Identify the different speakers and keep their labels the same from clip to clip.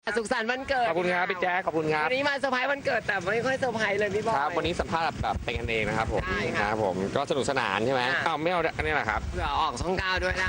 Speaker 1: สุขสันต์วันเกิด
Speaker 2: ขอบคุณครับพี่แจ๊คขอบคุณครับ
Speaker 1: วันนี้มาเซอร์ไพรส์วันเกิดแต่ไม่ค่อยเซอร์ไพรส์เลยพี่บอย
Speaker 2: ครับวันนี้สัมภาษณ์แบบเป็นกันเองนะครับผมครับผมก็สนุกสนานใช่ไหมอ้าวไม่เอาอันนี้แหละครับ
Speaker 1: เผื่อออกช่อง9ด้วยนะ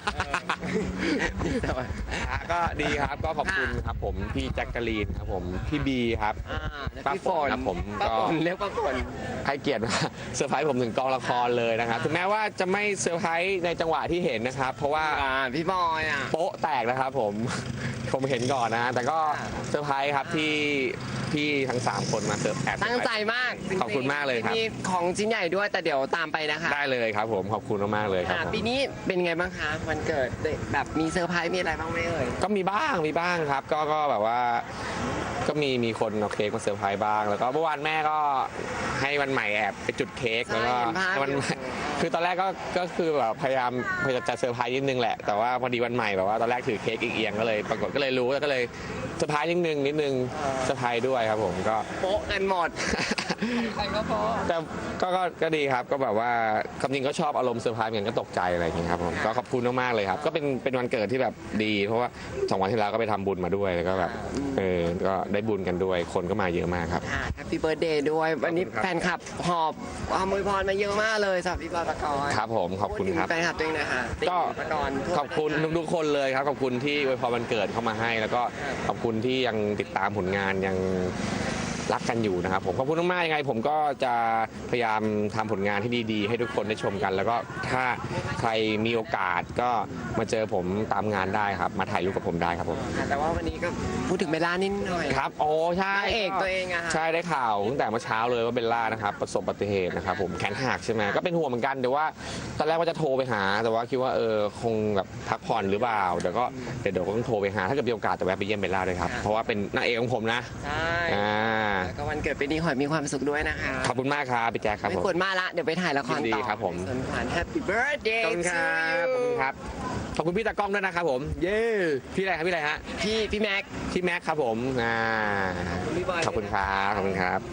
Speaker 2: ก็ดีครับก็ขอบคุณครับผมพี่แจ็คกะลีนครับผมพี่บีครับ
Speaker 1: ป้าฝน
Speaker 2: ครับผมก็
Speaker 1: เรียกป้าฝน
Speaker 2: ให้เกียรติมาเซอร์ไพรส์ผมถึงกองละครเลยนะครับถึงแม้ว่าจะไม่เซอร์ไพรส์ในจังหวะที่เห็นนะครับเพราะว่า
Speaker 1: พี่บอย
Speaker 2: โป๊ะแตกนะครับผมเห็นก่อนนะแต่ก็เซอร์ไพรส์ครับที่พี่ทั้ง3คนมาเซอร์ไพรส์
Speaker 1: ตั้งใจมาก
Speaker 2: ขอบคุณมากเลยครับ
Speaker 1: มีของชิ้นใหญ่ด้วยแต่เดี๋ยวตามไปนะคะ
Speaker 2: ได้เลยครับผมขอบคุณมากเลยครับ
Speaker 1: ปีนี้เป็นไงบ้างคะวันเกิดแบบมีเซอร์ไพรส์มีอะไรบ้างไหมเอ่ย
Speaker 2: ก็มีบ้างครับก็แบบว่าก็มีคนเอาเค้กมาเซอร์ไพรส์บ้างแล้วก็เมื่อวานแม่ก็ให้วันใหม่แอบไปจุดเค้กแล้วก็วันคือตอนแรกก็คือแบบพยายามจะเซอร์ไพรส์นิดนึงแหละแต่ว่าพอดีวันใหม่แบบว่าตอนแรกถือเค้กเอียงก็เลยปรากฏก็เลยรู้แล้วก็เลยเซอร์ไพรส์นิดนึงเซอร์ไพรส์ด้วยครับผมก็
Speaker 1: โป๊ะกันหมดใครก็โป๊ะ
Speaker 2: แต่ก็ดีครับก็แบบว่าคำจริงก็ชอบอารมณ์เซอร์ไพรส์เหมือนก็ตกใจอะไรอย่างเงี้ยครับผมก็ขอบคุณมากๆเลยครับก็เป็นวันเกิดที่แบบดีเพราะว่า2 วันที่แล้วก็ไปทำบุญมาด้วยแล้วก็แบบก็ได้บุญกันด้วยคนก็มาเยอะมากครับ
Speaker 1: แฮปปี้เบิร์ธเดย์ด้วยวันนี้แฟนคลับหอบความอวยพรมาเยอะมากเลยสำหรับพี่บอยปกรณ์
Speaker 2: ครับผมขอบคุณครับ
Speaker 1: แฟนคลับตัวเองนะคะ
Speaker 2: ก็ขอบคุณทุกคนเลยครับขอบคุณที่อวยพรวันเกิดเข้ามาให้แล้วก็ขอบคุณที่ยังติดตามผลงานยังรักกันอยู่นะครับผมขอบคุณมากๆยังไงผมก็จะพยายามทำผลงานที่ดีๆให้ทุกคนได้ชมกันแล้วก็ถ้าใครมีโอกาสก็มาเจอผมตามงานได้ครับมาถ่ายรูปกับผมได้ครับผม
Speaker 1: แต่ว่าวันนี้ก็พูดถึงเบลล่านิดหน่อย
Speaker 2: ครับโอ้ใช่
Speaker 1: เอกตัวเองอะ
Speaker 2: ใช่ได้ข่าวตั้งแต่เมื่อเช้าเลยว่าเบลล่านะครับประสบอุบัติเหตุนะครับผมแขนหักใช่ไหมก็เป็นห่วงเหมือนกันแต่ว่าตอนแรกว่าจะโทรไปหาแต่ว่าคิดว่าคงแบบพักผ่อนหรือเปล่าเดี๋ยวก็ต้องโทรไปหาถ้าเกิดมีโอกาสจะแวะไปเยี่ยมเบลล่าเลยครับเพราะว่าเป็นนางเอกของผมนะ
Speaker 1: ใช่ก็วันเกิดปีนี้ขอให้มีความสุขด้วยนะคะ
Speaker 2: ขอบคุณมากครับพี่แจ๊คครับ
Speaker 1: ไม่ควรมาละเดี๋ยวไปถ่ายละครต่อ
Speaker 2: ครับผม
Speaker 1: แฮปปี้เบิร์ธเดย์
Speaker 2: ขอบคุณครับขอบคุณครับขอบคุณพี่ตากล้องด้วยนะครับผมเย้พี่อะไรครับพี่อะไรฮะ
Speaker 1: พี่แม็ก
Speaker 2: ครับผมขอบคุณครับขอบคุณครับ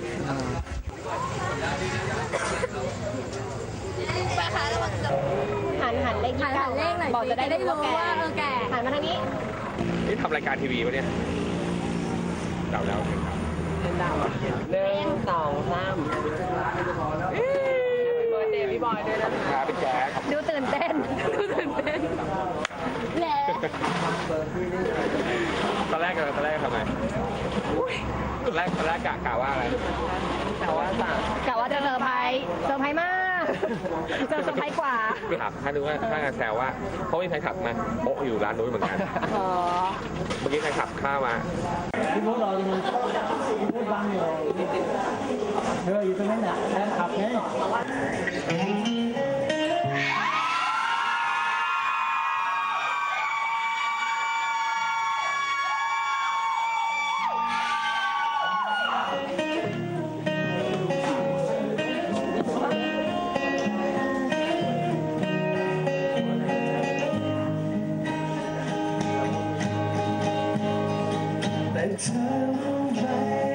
Speaker 3: หันเลขหน่อยบอกจะได้รู้ว่าแก่หันมาทางนี้
Speaker 2: นี่ทำรายการทีวีปะเนี่ยเดาแล้ว
Speaker 1: 1 2 3พี่บอยด้วยนะครับ
Speaker 2: พี่แจ๊ค
Speaker 3: ดูตื่นเต้นแหละ
Speaker 2: ตอนแรกทำไงตอนแรกกะว่าอะไร
Speaker 1: กะว่า
Speaker 3: จะเซอร์ไพรส์มากเซอร์ไพรส์กว่า
Speaker 2: ครับถ้าดูว่าถ้างานแซวว่าเพราะมีใครขับมาโป๊ะอยู่ร้านนู้นเหมือนกันเมื่อกี้ใครขับข้ามา
Speaker 4: พี่พูดเราพี่พูดบังอยู่อยู่ตรงนั้นแหละแฟนขับไงแต่เธอรู้ไหม